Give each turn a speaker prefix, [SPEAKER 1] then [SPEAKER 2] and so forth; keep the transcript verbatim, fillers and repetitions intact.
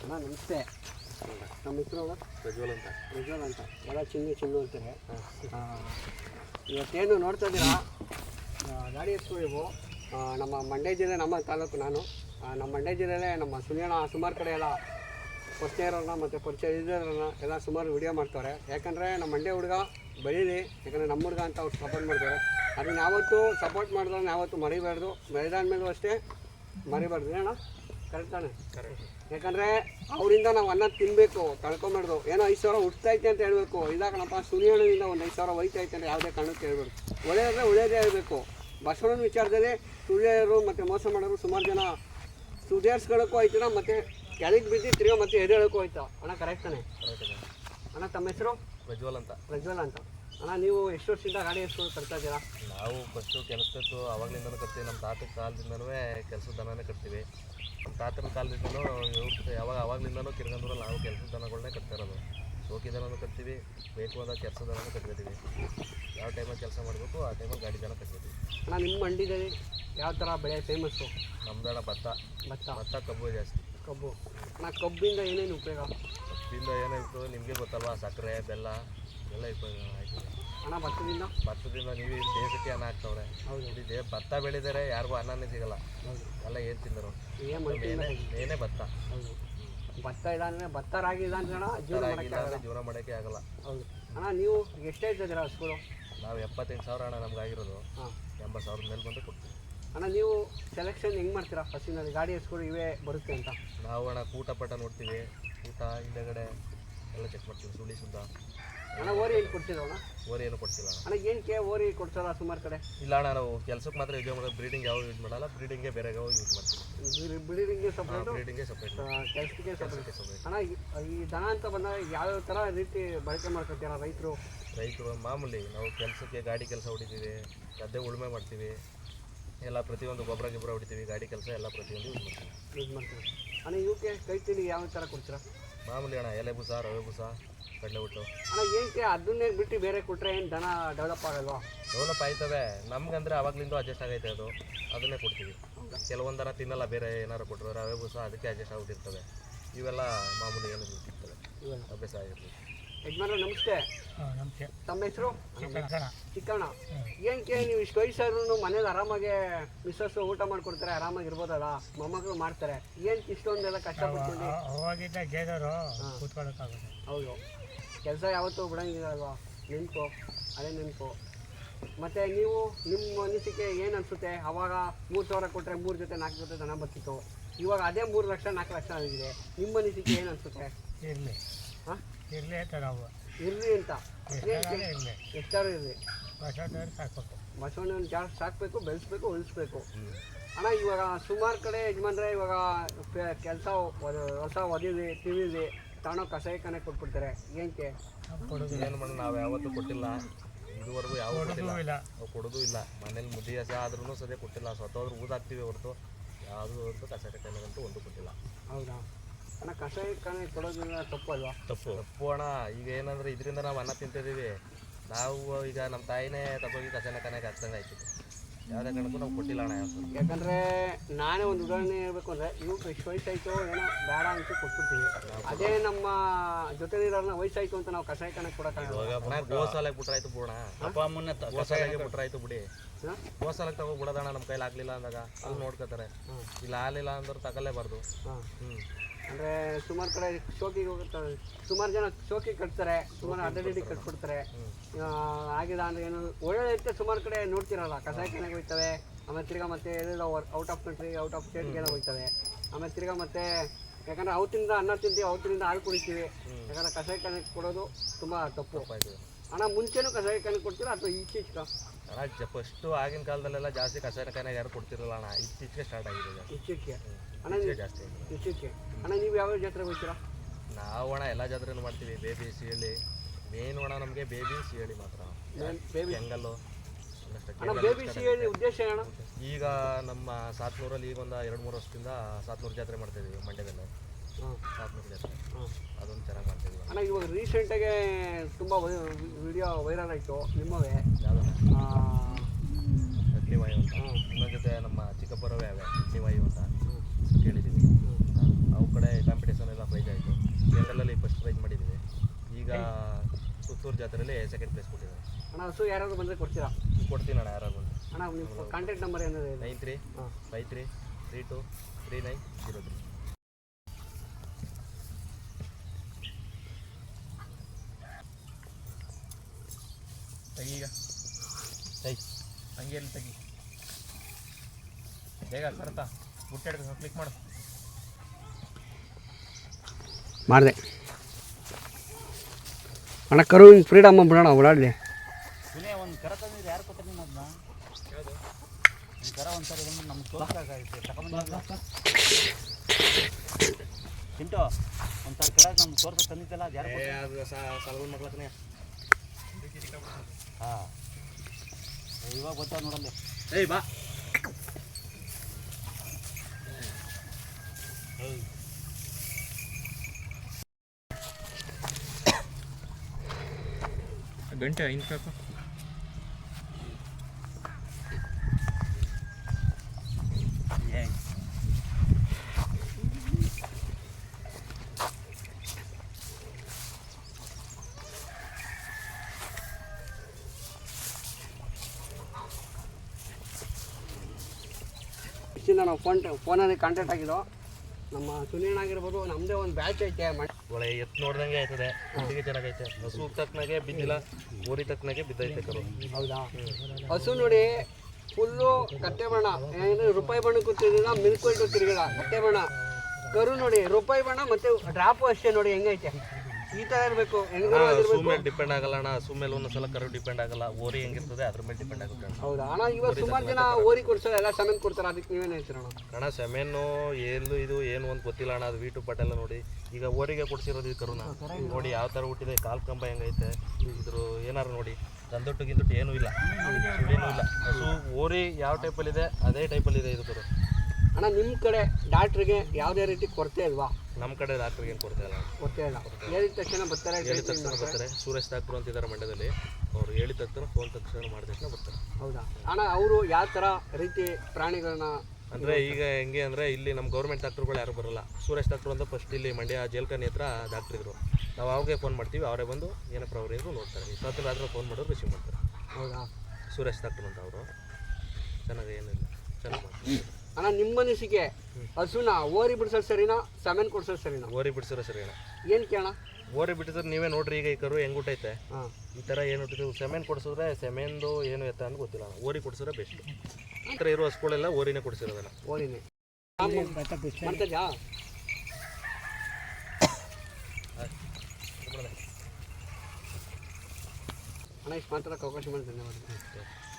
[SPEAKER 1] ಅಣ್ಣ ನಮಸ್ತೆ. ನಮ್ಮ ಹೆಸರು
[SPEAKER 2] ಪ್ರಜ್ವಲ್ ಅಂತ.
[SPEAKER 1] ಪ್ರಜ್ವಲ್ ಅಂತ ಎಲ್ಲ ಚಿನ್ನು ಚಿನ್ನು ಅಂತಾರೆ. ಇವತ್ತೇನು ನೋಡ್ತಾ ಇದ್ದೀರಾ ಗಾಡಿ ಎತ್ಕೊಂಡು ನೀವು ನಮ್ಮ ಮಂಡ್ಯ ಜಿಲ್ಲೆ, ನಮ್ಮ ತಾಲೂಕು. ನಾನು ನಮ್ಮ ಮಂಡ್ಯ ಜಿಲ್ಲೆಯಲ್ಲೇ ನಮ್ಮ ಸುನಿಯಣ್ಣ ಸುಮಾರು ಕಡೆ ಎಲ್ಲ ಪರಿಚಯ ಇರೋರನ್ನ ಮತ್ತು ಪರಿಚಯ ಇದ್ದವ್ರನ್ನ ಎಲ್ಲ ಸುಮಾರು ವಿಡಿಯೋ ಮಾಡ್ತಾರೆ. ಯಾಕಂದರೆ ನಮ್ಮ ಮಂಡ್ಯ ಹುಡುಗ ಬೆಳೀಲಿ, ಯಾಕಂದರೆ ನಮ್ಮ ಹುಡುಗ ಅಂತ ಅವ್ರು ಸಪೋರ್ಟ್ ಮಾಡ್ತಾರೆ. ಅದನ್ನು ಯಾವತ್ತೂ ಸಪೋರ್ಟ್ ಮಾಡಿದ್ರೆ ಯಾವತ್ತೂ ಮರಿಬಾರ್ದು, ಬೆಳೆದಾದ್ಮೇಲೂ ಅಷ್ಟೇ ಮರಿಬಾರ್ದು. ಅಣ್ಣ ಕರೆಕ್ಟ್ ತಾನೆ?
[SPEAKER 2] ಕರೆಕ್ಟ್.
[SPEAKER 1] ಯಾಕಂದರೆ ಅವರಿಂದ ನಾವು ಅನ್ನ ತಿನ್ನಬೇಕು, ತಳ್ಕೊಂಬಾರ್ದು. ಏನೋ ಐದು ಸಾವಿರ ಹುಟ್ಟೈತೆ ಅಂತ ಹೇಳಬೇಕು. ಇದಾಕಣಪ್ಪ ಸುನಿಯಣ್ಣನಿಂದ ಒಂದು ಐದು ಸಾವಿರ ಹೋಯ್ತೈತೆ ಅಂತ ಯಾವುದೇ ಕಾರಣಕ್ಕೆ ಹೇಳ್ಬಾರ್ದು. ಒಳ್ಳೆಯದ್ರೆ ಒಳ್ಳೆಯದೇ ಹೇಳಬೇಕು. ಬಸವಣ್ಣನ ವಿಚಾರದಲ್ಲಿ ಸುಳ್ಳಿಯರು ಮತ್ತು ಮೋಸ ಮಾಡೋರು ಸುಮಾರು ಜನ ಸುಧಾರಿಸ್ಕೊಳ್ಳೋಕ್ಕೂ ಆಯ್ತಾರ, ಮತ್ತು ಕೆಳಗೆ ಬಿದ್ದು ತಿರ್ಗೋ ಮತ್ತೆ ಎದ್ದೇಳೋಕ್ಕೂ ಆಯ್ತಾ. ಅಣ್ಣ ಕರೆಕ್ಟ್ ತಾನೆ? ಅಣ್ಣ ತಮ್ಮ ಹೆಸರು?
[SPEAKER 2] ಪ್ರಜ್ವಲ್ ಅಂತ.
[SPEAKER 1] ಪ್ರಜ್ವಲ್ ಅಂತ. ಅಣ್ಣ ನೀವು ಎಷ್ಟು ವರ್ಷದಿಂದ ಗಾಡಿ ಎಸ್ಕೊಂಡು ಕಟ್ತಾ ಇದ್ದೀರಾ?
[SPEAKER 2] ನಾವು ಫಸ್ಟು ಕೆಲಸದ್ದು ಅವಾಗಲಿಂದನೂ ಕಟ್ತೀವಿ. ನಮ್ಮ ತಾತನ ಕಾಲದಿಂದನೂ ಕೆಲಸದ ದನನೇ ಕಟ್ತೀವಿ. ನಮ್ಮ ತಾತನ ಕಾಲದಿಂದನೂ ಇವ್ರು ಯಾವಾಗ ಅವಾಗಲಿಂದನೂ ಕಿರ್ಗಂದೂರಲ್ಲಿ ನಾವು ಕೆಲಸದ ದನಗಳನ್ನೇ ಕಟ್ತಾ ಇರೋದು. ಸೋಕಿ ದನನೂ ಕಟ್ತೀವಿ, ಬೇಕು ಆದಾಗ ಕೆಲಸದ ದನನೂ ಕಟ್ಕೊತೀವಿ. ಯಾವ ಟೈಮಲ್ಲಿ ಕೆಲಸ ಮಾಡಬೇಕು ಆ ಟೈಮಲ್ಲಿ ಗಾಡಿ ದನ ಕಟ್ಕೊತೀವಿ.
[SPEAKER 1] ಅಣ್ಣ ನಿಮ್ಮ ಮಂಡಿದಲ್ಲಿ ಯಾವ ಥರ ಬೆಳೆ ಫೇಮಸ್ಸು?
[SPEAKER 2] ನಮ್ದಣ್ಣ ಭತ್ತ
[SPEAKER 1] ಭತ್ತ
[SPEAKER 2] ಭತ್ತ ಕಬ್ಬು ಜಾಸ್ತಿ.
[SPEAKER 1] ಕಬ್ಬು. ಅಣ್ಣ ಕಬ್ಬಿಂದ ಏನೇನು ಉಪಯೋಗ?
[SPEAKER 2] ಕಬ್ಬಿಂದ ಏನಾಯಿತು ನಿಮಗೆ ಗೊತ್ತಲ್ವಾ, ಸಕ್ಕರೆ ಬೆಲ್ಲ ಎಲ್ಲ ಉಪಯೋಗ ಆಯಿತು.
[SPEAKER 1] ಅಣ್ಣ ಭತ್ತದಿಂದ
[SPEAKER 2] ಭತ್ತದಿಂದ ನೀವು ದೇಶಕ್ಕೆ ಅನ್ನ ಹಾಕ್ತವ್ರೆ.
[SPEAKER 1] ಹೌದು.
[SPEAKER 2] ಇದೆ ಭತ್ತ ಬೆಳೆದರೆ ಯಾರಿಗೂ ಅನ್ನನೇ ಸಿಗಲ್ಲ.
[SPEAKER 1] ಹೌದು.
[SPEAKER 2] ಎಲ್ಲ ಏನು ತಿಂದರು?
[SPEAKER 1] ಏನು ಮಾಡ್ತೀನಿ?
[SPEAKER 2] ಏನೇ ಭತ್ತ.
[SPEAKER 1] ಹೌದು. ಭತ್ತ ಇಲ್ಲ ಅಂದರೆ ಭತ್ತ ರಾಗಿ ಇಲ್ಲ ಅಂದ್ರೆ ಅಣ್ಣ ಜೀವನ ಮಾಡೋಕ್ಕೆ ಆಗಲ್ಲ.
[SPEAKER 2] ಜೀವನ ಮಾಡೋಕ್ಕೆ ಆಗಲ್ಲ.
[SPEAKER 1] ಹೌದು. ಅಣ್ಣ ನೀವು ಎಷ್ಟೇ ಇದ್ದೀರಾ ಹಸುಗಳು?
[SPEAKER 2] ನಾವು ಎಪ್ಪತ್ತೆಂಟು ಸಾವಿರ ಅಣ್ಣ ನಮ್ಗೆ ಆಗಿರೋದು.
[SPEAKER 1] ಹಾಂ.
[SPEAKER 2] ಎಂಬತ್ತು ಸಾವಿರದ ಮೇಲೆ ಬಂದು ಕೊಡ್ತೀವಿ.
[SPEAKER 1] ಅಣ್ಣ ನೀವು ಸೆಲೆಕ್ಷನ್ ಹೆಂಗೆ ಮಾಡ್ತೀರಾ ಹಸಿನಲ್ಲಿ? ಗಾಡಿ ಹಸುಗಳು ಇವೇ ಬರುತ್ತೆ ಅಂತ
[SPEAKER 2] ನಾವು ಅಣ್ಣ ಕೂಟ ಪಟ ನೋಡ್ತೀವಿ. ಊಟ ಹಿಂದೆಗಡೆ ಎಲ್ಲ ಚೆಕ್ ಮಾಡ್ತೀವಿ. ಸುಳಿ ಸುದ್ದ.
[SPEAKER 1] ಅಣ್ಣ ಓರಿ ಏನು ಕೊಡ್ತೀರ ಅಣ್ಣ?
[SPEAKER 2] ಓರಿ ಏನು ಕೊಡ್ತಿಲ್ಲ
[SPEAKER 1] ಅಣ್ಣ ಏನಕ್ಕೆ ಓರಿ ಕೊಡ್ತಾರ ಸುಮಾರು ಕಡೆ?
[SPEAKER 2] ಇಲ್ಲ ಅಣ್ಣ, ನಾವು ಕೆಲಸಕ್ಕೆ ಮಾತ್ರ ಯೂಸ್ ಮಾಡೋದು. ಬ್ರೀಡಿಂಗ್ ಯಾವ ಯೂಸ್ ಮಾಡಲ್ಲ. ಬ್ರೀಡಿಂಗ್ಗೆ ಬೇರೆ ಯಾವ ಯೂಸ್ ಮಾಡ್ತೀವಿ.
[SPEAKER 1] ಬ್ರೀಡಿಂಗ್ಗೆ ಸಪ್ರೇಟು,
[SPEAKER 2] ಬ್ರೀಡಿಂಗ್ಗೆ ಸಪ್ರೇಟ್,
[SPEAKER 1] ಕೆಲಸಕ್ಕೆ ಸಪ್ರೇಟ್.
[SPEAKER 2] ಸಪ್ರೇಟ್.
[SPEAKER 1] ಅಣ್ಣ ಈ ದನ ಅಂತ ಬಂದಾಗ ಯಾವ್ಯಾವ ಥರ ರೀತಿ ಬಳಕೆ ಮಾಡ್ಕೊತೀರ ರೈತರು?
[SPEAKER 2] ರೈತರು ಮಾಮೂಲಿ ನಾವು ಕೆಲಸಕ್ಕೆ ಗಾಡಿ ಕೆಲಸ ಹೊಡಿತೀವಿ, ಗದ್ದೆ ಉಳುಮೆ ಮಾಡ್ತೀವಿ, ಎಲ್ಲ ಪ್ರತಿಯೊಂದು ಗೊಬ್ಬರ ಗೊಬ್ಬರ ಹೊಡಿತೀವಿ. ಗಾಡಿ ಕೆಲಸ ಎಲ್ಲ ಪ್ರತಿಯೊಂದು ಯೂಸ್ ಮಾಡ್ತೀವಿ
[SPEAKER 1] ಯೂಸ್ ಮಾಡ್ತೀವಿ. ಅಣ್ಣ ಇವಕ್ಕೆ ಕೈ ತಿಳಿ ಯಾವ ಥರ ಕೊಡ್ತೀರಾ?
[SPEAKER 2] ಮಾಮೂಲಿ ಅಣ್ಣ, ಎಲೆ ಬೂಸ, ರವೆ ಬೂಸ, ಕಡಲೆ ಬಿಟ್ಟು.
[SPEAKER 1] ಅಣ್ಣ ಏನಕ್ಕೆ ಅದನ್ನೇ ಬಿಟ್ಟು ಬೇರೆ ಕೊಟ್ಟರೆ ಏನು ದನ ಡೆವಲಪ್ ಆಗಲ್ವಾ?
[SPEAKER 2] ಡೆವಲಪ್ ಆಯ್ತವೆ. ನಮ್ಗಂದ್ರೆ ಅವಾಗಲಿಂದ ಅಡ್ಜಸ್ಟ್ ಆಗೈತೆ ಅದು, ಅದನ್ನೇ ಕೊಡ್ತೀವಿ. ಕೆಲವೊಂದು ದನ ತಿನ್ನಲ್ಲ, ಬೇರೆ ಏನಾರು ಕೊಟ್ಟರು ರವೆ ಬೂಸ ಅದಕ್ಕೆ ಅಡ್ಜಸ್ಟ್ ಆಗಿರ್ತವೆ. ಇವೆಲ್ಲ ಮಾಮೂಲಿ ಏನು ಸಿಗ್ತವೆ, ಅಭ್ಯಾಸ ಆಗಿರ್ತದೆ.
[SPEAKER 1] ಯಜಮಾನ್ರೆ ನಮಸ್ತೆ.
[SPEAKER 3] ನಮಸ್ತೆ.
[SPEAKER 1] ತಮ್ಮ ಹೆಸರು? ಚಿಕ್ಕಣ್ಣ. ಏನಕ್ಕೆ ನೀವು ಇಷ್ಟು ವಯಸ್ಸಾದ್ರೂ ಮನೇಲಿ ಆರಾಮಾಗೆ ಮಿಸ್ಸಸ್ಸು ಊಟ ಮಾಡಿಕೊಡ್ತಾರೆ, ಆರಾಮಾಗಿ ಇರ್ಬೋದಲ್ಲ, ಮೊಮ್ಮಕ್ಕಳು ಮಾಡ್ತಾರೆ. ಏನಕ್ಕೆ ಇಷ್ಟೊಂದೆಲ್ಲ ಕಷ್ಟಪಡ್ಕೊಂಡು?
[SPEAKER 3] ಅವಾಗಿದ್ದ ಗೇದರು ಕೂತ್ಕೊಳ್ಳೋಕ್ಕಾಗುತ್ತೆ.
[SPEAKER 1] ಹೌದು, ಕೆಲಸ ಯಾವತ್ತೂ ಬಿಡಂಗಿರಲ್ವಾ? ನೆನಪು, ಅದೇ ನೆನಪು. ಮತ್ತು ನೀವು ನಿಮ್ಮ ಅನಿಸಿಕೆ ಏನು ಅನಿಸುತ್ತೆ? ಅವಾಗ ಮೂರು ಸಾವಿರ ಕೊಟ್ಟರೆ ಮೂರು ಜೊತೆ ನಾಲ್ಕು ಜೊತೆ ದನ ಬರ್ತಿತ್ತು, ಇವಾಗ ಅದೇ ಮೂರು ಲಕ್ಷ ನಾಲ್ಕು ಲಕ್ಷ ಆಗಿದೆ. ನಿಮ್ಮ ಅನಿಸಿಕೆ ಏನು ಅನಿಸುತ್ತೆ?
[SPEAKER 3] ಇರಲಿ
[SPEAKER 1] ಹಾಂ,
[SPEAKER 3] ಇರಲಿ ಅಂತ ನಾವು
[SPEAKER 1] ಇರಲಿ ಅಂತ.
[SPEAKER 3] ಇರಲಿ,
[SPEAKER 1] ಎಷ್ಟಾರು ಇರಲಿ,
[SPEAKER 3] ಬಸವಣ್ಣವ್ರು ಸಾಕಬೇಕು.
[SPEAKER 1] ಬಸವಣ್ಣನ ಜಾಸ್ತಿ ಸಾಕಬೇಕು, ಬೆಳೆಸ್ಬೇಕು, ಉಳಿಸ್ಬೇಕು. ಅಣ್ಣ ಇವಾಗ ಸುಮಾರು ಕಡೆ ಯಜಮಾನ್ರೆ ಇವಾಗ ಕೆಲಸ ಹೊಸ ಒದಿವಿ ಟಿವಿಲಿ ತಾಣೋ ಕಸಾಯಿಖಾನೆ ಕೊಟ್ಬಿಡ್ತಾರೆ. ಏನಕ್ಕೆ?
[SPEAKER 2] ಏನು ಮಾಡೋಣ, ನಾವು ಯಾವತ್ತೂ ಕೊಟ್ಟಿಲ್ಲ ಇದುವರೆಗೂ. ಯಾವ ಕೊಟ್ಟಿಲ್ಲ, ನಾವು ಕೊಡೋದು ಇಲ್ಲ. ಮನೇಲಿ ಮುದ್ದೆ ಹಸಿ ಆದ್ರೂ ಸದ್ಯ ಕೊಟ್ಟಿಲ್ಲ. ಸ್ವತಃ ಊದಾಕ್ತೀವಿ ಹೊರತು ಯಾವುದೂ ಹೊರತು ಕಸಾಯಿಖಾನೆಗಂತೂ ಒಂದು ಕೊಟ್ಟಿಲ್ಲ.
[SPEAKER 1] ಹೌದಾ ಅಣ್ಣ? ಕಸಾಯಿಖಾನೆ ಕೊಡೋದ್ರಿಂದ ತಪ್ಪು ಅಲ್ವಾ?
[SPEAKER 2] ತಪ್ಪು ತಪ್ಪು ಅಣ್ಣ. ಈಗ ಏನಂದ್ರೆ ಇದರಿಂದ ನಾವು ಅನ್ನ ತಿಂತಿದ್ದೀವಿ. ನಾವು ಈಗ ನಮ್ಮ ತಾಯಿನೇ ತಗೋಗಿ ಕಸಾಯಿಖಾನೆಗೆ ಹಾಕ್ದಂಗೆ ಆಯ್ತು. ಯಾವುದೇ ಕಾರಣಕ್ಕೂ ನಾವು ಕೊಟ್ಟಿಲ್ಲ ಅಣ್ಣ. ಯಾವ
[SPEAKER 1] ಯಾಕಂದರೆ ನಾನೇ ಒಂದು ಉದಾಹರಣೆ ಹೇಳ್ಬೇಕು ಅಂದರೆ, ಇವಾಗ ಎಷ್ಟು ವಯಸ್ಸಾಯಿತು ಏನೋ ಬೇಡ ಅಂತ ಕೊಟ್ಬಿಡ್ತೀವಿ. ಅದೇ ನಮ್ಮ ಜೊತೆಲಿರೋರ್ನ ವಯಸ್ಸಾಯಿತು ಅಂತ ನಾವು ಕಸಾಯಿಖಾನೆಗೆ ಕೊಡೋಕ್ಕಾಗಲ್ಲ.
[SPEAKER 2] ಗೋಸಾಲಕ್ಕೆ ಬಿಟ್ರಾಯ್ತು ಬಿಡೋಣ,
[SPEAKER 3] ಅಪ್ಪ ಅಮ್ಮನ
[SPEAKER 2] ಗೋಸಾಲೆಗೆ ಬಿಟ್ರಾಯ್ತು ಬಿಡಿ. ಗೋಸಾಲಕ್ಕೆ ತಗೋ ಬಿಡೋದಣ್ಣ, ನಮ್ಮ ಕೈಲಿ ಆಗಲಿಲ್ಲ ಅಂದಾಗ ಅಲ್ಲಿ ನೋಡ್ಕೋತಾರೆ. ಇಲ್ಲ ಆಗಲಿಲ್ಲ ಅಂದ್ರೆ ತಗೊಳ್ಳೇಬಾರ್ದು.
[SPEAKER 1] ಹಾಂ.
[SPEAKER 2] ಹ್ಞೂ.
[SPEAKER 1] ಅಂದರೆ ಸುಮಾರು ಕಡೆ ಶೋಕಿಗೆ ಹೋಗುತ್ತಾರೆ, ಸುಮಾರು ಜನ ಶೋಕಿ ಕಟ್ತಾರೆ, ಸುಮಾರು ಅಡ್ಡಡಿ ಕಟ್ಬಿಡ್ತಾರೆ. ಆಗಿಲ್ಲ ಅಂದರೆ ಏನು ಒಳ್ಳೆ ಇರುತ್ತೆ. ಸುಮಾರು ಕಡೆ ನೋಡ್ತಿರಲ್ಲ, ಕಸಾಯಿಖಾನೆಗೆ ಹೋಗ್ತವೆ. ಆಮೇಲೆ ತಿರ್ಗಾ ಮತ್ತೆ ಎಲ್ಲ out of country, out of ಸ್ಟೇಟ್ಗೆಲ್ಲ ಹೋಗ್ತವೆ. ಆಮೇಲೆ ತಿರ್ಗಾ ಮತ್ತೆ ಯಾಕಂದರೆ ಅವತ್ತಿಂದ ಅನ್ನ ತಿಂತೀವಿ, ಅವತ್ತಿನಿಂದ ಹಾಲು ಕುಡಿತೀವಿ. ಯಾಕಂದರೆ ಕಸಾಯಿಖಾನೆಗೆ ಕೊಡೋದು ತುಂಬ ತಪ್ಪು. ಅಣ್ಣ ಮುಂಚೆನೂ ಕಸಾಯಿಖಾನೆಗೆ ಕೊಡ್ತೀರಾ ಅಥವಾ ಇತ್ತೀಚೆಗೆ?
[SPEAKER 2] ಅಣ್ಣ ಜ ಫಸ್ಟು ಆಗಿನ ಕಾಲದಲ್ಲೆಲ್ಲ ಜಾಸ್ತಿ ಕಸಾಯಿಖಾನೆಗೆ ಯಾರು ಕೊಡ್ತಿರಲ್ಲ ಅಣ್ಣ. ಇತ್ತೀಚೆಗೆ ಸ್ಟಾರ್ಟ್ ಆಗಿದೆ.
[SPEAKER 1] ಇತ್ತೀಚೆಗೆ ಅಣ್ಣ
[SPEAKER 2] ಜಾಸ್ತಿ
[SPEAKER 1] ಇತ್ತೀಚೆಗೆ ಅಣ್ಣ ನೀವು ಯಾವ್ಯಾವ ಜಾತ್ರೆಗೆ ಹೋಗ್ತೀರಾ?
[SPEAKER 2] ನಾವು ಅಣ್ಣ ಎಲ್ಲ ಜಾತ್ರೆನೂ ಮಾಡ್ತೀವಿ. ಬೇಬಿ ಸಿಹಳಿ ಮೇನ್ ಅಣ್ಣ ನಮಗೆ, ಬೇಬಿ ಸಿಹಳಿ ಮಾತ್ರ.
[SPEAKER 1] ಬೇಬಿ
[SPEAKER 2] ಹೆಂಗಲ್ಲು
[SPEAKER 1] ಅಣ್ಣ, ಬೇಬಿ ಸಿಹಳಿ ಉದ್ದೇಶ ಅಣ್ಣ?
[SPEAKER 2] ಈಗ ನಮ್ಮ ಸಾತ್ನೂರಲ್ಲಿ ಈಗ ಒಂದು ಎರಡು ಮೂರು ವರ್ಷದಿಂದ ಸಾತ್ನೂರು ಜಾತ್ರೆ ಮಾಡ್ತಾಯಿದ್ದೀವಿ ಮಂಡ್ಯದಲ್ಲಿ. ಸಾತ್ನೂರು ಜಾತ್ರೆ ಅದೊಂದು ಚೆನ್ನಾಗಿ ಮಾಡ್ತಾಯಿದ್ದೀವಿ
[SPEAKER 1] ಅಣ್ಣ. ಇವಾಗ ರೀಸೆಂಟಾಗೆ ತುಂಬ ವಿಡಿಯೋ ವೈರಲ್ ಆಯಿತು ನಿಮ್ಮವೇ,
[SPEAKER 2] ಯಾವುದು ಅಗ್ನಿವಾಯು ಅಂತ. ಇನ್ನೊಂದು ಜೊತೆ ನಮ್ಮ ಚಿಕ್ಕಪ್ಪರವೇ ಅವೇ ಅಗ್ನಿವಾಯು ಅಂತ ಕೇಳಿದ್ದೀವಿ. ಅವು ಕಡೆ ಕಾಂಪಿಟೇಷನ್ ಎಲ್ಲ ಪ್ರೈಸ್ ಜಾತ್ರೆಯಲ್ಲಿ ಸೆಕೆಂಡ್ ಪ್ಲೇಸ್ ಕೊಟ್ಟಿದ್ದಾರೆ.
[SPEAKER 1] ಅಣ್ಣ ಹಸು ಯಾರಾದ್ರು ಬಂದರೆ ಕೊಡ್ತೀರಾ?
[SPEAKER 2] ಕೊಡ್ತೀನಿ ಅಣ್ಣ ಯಾರು ಬಂದು.
[SPEAKER 1] ಅಣ್ಣ ನಿಮ್ಮ ಕಾಂಟ್ಯಾಕ್ಟ್ ನಂಬರ್ ಏನಿದೆ?
[SPEAKER 2] ನೈನ್ ತ್ರೀ
[SPEAKER 1] ಹಾಂ
[SPEAKER 2] five three three two three nine zero three.
[SPEAKER 3] ತೆಗೀಗ
[SPEAKER 2] ಸೈ
[SPEAKER 3] ಹಂಗೆಲ್ಲಿ ತೆಗಿ ಬೇಗ ಕರ್ತಾ ಬುಟ್ಟೆಡ್ದು ಕ್ಲಿಕ್ ಮಾಡು.
[SPEAKER 1] ಮಾಡಿದೆ ಅಣ್ಣ. ಕರು ಫ್ರೀಡಮ್ ಬಿಡೋಣ ಓಡಾಡಲಿ.
[SPEAKER 3] ಪುನೇ ಒಂದು ಕರ ತಂದಿದ್ದು ಯಾರು ಕೊಟ್ಟರೆ ನೀನು ಅದನ್ನ ಯಾವುದು ಒಂದು ಕರ ಒಂದು ಸರಿ ಬಂದು ನಮ್ಗೆ ತೋರಿಸಾಗೈತೆ ತಗೊಂಬಂದ ಚಿಂಟು ಒಂದು ಸರಿ ಕರ ನಮ್ಗೆ ತೋರ್ಸ ತಂದಿದ್ದಲ್ಲ ಅದು ಯಾರು
[SPEAKER 2] ಸಾಲಗಳು ಮಕ್ಳಕ್ಕನೇ.
[SPEAKER 3] ಹಾಂ ಇವಾಗ ಗೊತ್ತಾಗ ನೋಡಲ್ಲಿ.
[SPEAKER 2] ಏಯ್ ಬಾ
[SPEAKER 3] ಗಂಟೆ ಐದು ಸಾಕು.
[SPEAKER 1] ಇಷ್ಟಿಂದ ನಾವು ಫೋನ್ ಫೋನಲ್ಲಿ ಕಾಂಟ್ಯಾಕ್ಟ್ ಆಗಿದ್ದೋ. ನಮ್ಮ ಸುನೀಲ್ ಆಗಿರ್ಬೋದು, ನಮ್ಮದೇ ಒಂದು ಬ್ಯಾಚ್ ಐತೆ.
[SPEAKER 2] ಒಳ್ಳೆ ಎತ್ತು ನೋಡ್ದಂಗೆ ಆಯ್ತದೆ, ಹುಟ್ಟಿಗೆ ಚೆನ್ನಾಗೈತೆ. ಹಸು ತಕ್ಕನಾಗೆ ಬಿದ್ದಿಲ್ಲ, ಊರಿ ತಕ್ಕನಾಗೆ ಬಿದ್ದೈತೆ ಕರು.
[SPEAKER 1] ಹೌದಾ? ಹಸು ನೋಡಿ ಫುಲ್ಲು ಕತ್ತೆ ಬಣ್ಣ, ಏನಂದ್ರೆ ರೂಪಾಯಿ ಬಣ್ಣಕ್ಕೂ ತಿರುಗಿಲ್ಲ, ಮಿಲ್ಕ್ ವೈಟು ತಿರುಗಿಲ್ಲ, ಕತ್ತೆ ಬಣ್ಣ. ಕರು ನೋಡಿ ರೂಪಾಯಿ ಬಣ್ಣ ಮತ್ತು ಡ್ರಾಪು ಅಷ್ಟೇ ನೋಡಿ ಹೆಂಗೈತೆ. ಈ ಥರ ಇರಬೇಕು.
[SPEAKER 2] ಹಸು ಮೇಲೆ ಡಿಪೆಂಡ್ ಆಗಲ್ಲ ಅಣ್ಣ. ಹಸು ಮೇಲೆ ಒಂದೊಂದ್ಸಲ ಕರು ಡಿಪೆಂಡ್ ಆಗಲ್ಲ. ಓರಿ ಹೆಂಗಿರ್ತದೆ ಅದ್ರ ಮೇಲೆ ಡಿಪೆಂಡ್ ಆಗುತ್ತೆ.
[SPEAKER 1] ಹೌದಾ ಅಣ್ಣ? ಇವಾಗ ಸುಮಾರು ಜನ ಓರಿ ಕೊಡ್ಸೋದು ಎಲ್ಲ ಸಮೇನ್ ಕೊಡ್ತಾರೆ, ಅದಕ್ಕೆ ನೀವೇನು ಹೇಳ್ತೀರಣ್ಣ?
[SPEAKER 2] ಅಣ್ಣ ಸೆಮೆನ್ನು ಎಲ್ಲೂ ಇದು ಏನು ಒಂದು ಗೊತ್ತಿಲ್ಲ ಅಣ್ಣ. ಅದು ವೀಟು ಪಟೆಲ್ಲ ನೋಡಿ ಈಗ ಓರಿಗೆ ಕೊಡ್ಸಿರೋದು ಈ ಕರುನ ನೋಡಿ ಯಾವ ಥರ ಹುಟ್ಟಿದೆ, ಕಾಲು ಕಂಬ ಹೆಂಗೈತೆ, ಇದ್ರ ಏನಾರು ನೋಡಿ ಗಂದೊಟ್ಟು ಗಿಂದೊಟ್ಟು ಏನೂ ಇಲ್ಲ, ಸುಳಿನೂ ಇಲ್ಲ. ಹಸು ಓರಿ ಯಾವ ಟೈಪಲ್ಲಿದೆ ಅದೇ ಟೈಪಲ್ಲಿದೆ ಇದು ಕರು.
[SPEAKER 1] ಅಣ್ಣ ನಿಮ್ಮ ಕಡೆ ಡಾಕ್ಟ್ರಿಗೆ ಯಾವುದೇ ರೀತಿ ಕೊರತೆ ಇಲ್ವಾ?
[SPEAKER 2] ನಮ್ಮ ಕಡೆ ಡಾಕ್ಟ್ರಿಗೆ ಏನು ಕೊಡ್ತಾ ಇಲ್ಲ,
[SPEAKER 1] ಕೊರತೆ ಇಲ್ಲ. ಹೇಳಿದ ತಕ್ಷಣ ಬರ್ತಾರೆ,
[SPEAKER 2] ಹೇಳಿದ ತಕ್ಷಣ ಬರ್ತಾರೆ. ಸುರೇಶ್ ಡಾಕ್ಟ್ರು ಅಂತಿದ್ದಾರೆ ಮಂಡ್ಯದಲ್ಲಿ, ಅವ್ರು ಹೇಳಿದ ತಕ್ಷಣ ಫೋನ್ ತಕ್ಷಣ ಮಾಡಿದ ತಕ್ಷಣ ಬರ್ತಾರೆ.
[SPEAKER 1] ಹೌದಾ ಅಣ್ಣ? ಅವರು ಯಾವ ಥರ ರೀತಿ ಪ್ರಾಣಿಗಳನ್ನ
[SPEAKER 2] ಅಂದರೆ ಈಗ ಹೆಂಗೆ ಅಂದರೆ ಇಲ್ಲಿ ನಮ್ಮ ಗೌರ್ಮೆಂಟ್ ಡಾಕ್ಟ್ರುಗಳು ಯಾರು ಬರೋಲ್ಲ. ಸುರೇಶ್ ಡಾಕ್ಟ್ರು ಅಂತ ಫಸ್ಟ್ ಇಲ್ಲಿ ಮಂಡ್ಯ ಜೇಲ್ಕನಿ ಹತ್ರ ಡಾಕ್ಟ್ರ್ ಇದ್ರು. ನಾವು ಅವ್ರಿಗೆ ಫೋನ್ ಮಾಡ್ತೀವಿ, ಅವರೇ ಬಂದು ಏನೋ ಪ್ರಾಬ್ಲಮ್ ಇದ್ರು ನೋಡ್ತಾರೆ. ಇಪ್ಪತ್ತು ರಾತ್ರಿ ಫೋನ್ ಮಾಡೋರು ರಿಸೀವ್ ಮಾಡ್ತಾರೆ.
[SPEAKER 1] ಹೌದಾ?
[SPEAKER 2] ಸುರೇಶ್ ಡಾಕ್ಟ್ರು ಅಂತ ಅವರು ಚೆನ್ನಾಗಿ ಏನಿಲ್ಲ ಚೆನ್ನಾಗಿ ಮಾಡ್ತಾರೆ.
[SPEAKER 1] ಅಣ್ಣ ನಿಮ್ಮ ಅನಿಸಿಕೆ ಹಸುನ ಓರಿ ಬಿಡ್ಸೋದು ಸರಿನಾ, ಸಮೇನ್ ಕೊಡ್ಸೋದು ಸರಿನಾ?
[SPEAKER 2] ಓರಿ ಬಿಡಿಸಿರೋ ಸರಿ ಅಣ್ಣ.
[SPEAKER 1] ಏನು ಕೇಳೋಣ?
[SPEAKER 2] ಓರಿ ಬಿಟ್ಟಿದ್ರೆ ನೀವೇ ನೋಡ್ರಿ, ಈಗ ಈ ಕರು ಹೆಂಗೆ ಹುಟ್ಟೈತೆ
[SPEAKER 1] ಹಾಂ.
[SPEAKER 2] ಈ ಥರ ಏನು ಹುಟ್ಟಿದ್ರು. ಸೆಮೆನ್ ಕೊಡಿಸಿದ್ರೆ ಸೆಮೆನ್ದು ಏನು ಎತ್ತ ಅಂತ ಗೊತ್ತಿಲ್ಲ ಅಣ್ಣ. ಓರಿ ಕೊಡಿಸಿದ್ರೆ ಬೆಸ್ಟ್. ಈ ಥರ ಇರೋ ಹಸುಗಳೆಲ್ಲ ಓರಿನೇ ಕೊಡಿಸಿರೋದಲ್ಲ.
[SPEAKER 1] ಓರಿನೇ ಮಾಡ್ತಿದ್ಯಾ? ಅಣ್ಣ ಇಷ್ಟು ಮಾತಾಡೋಕೆ ಅವಕಾಶ ಮಾಡಿ ಧನ್ಯವಾದ.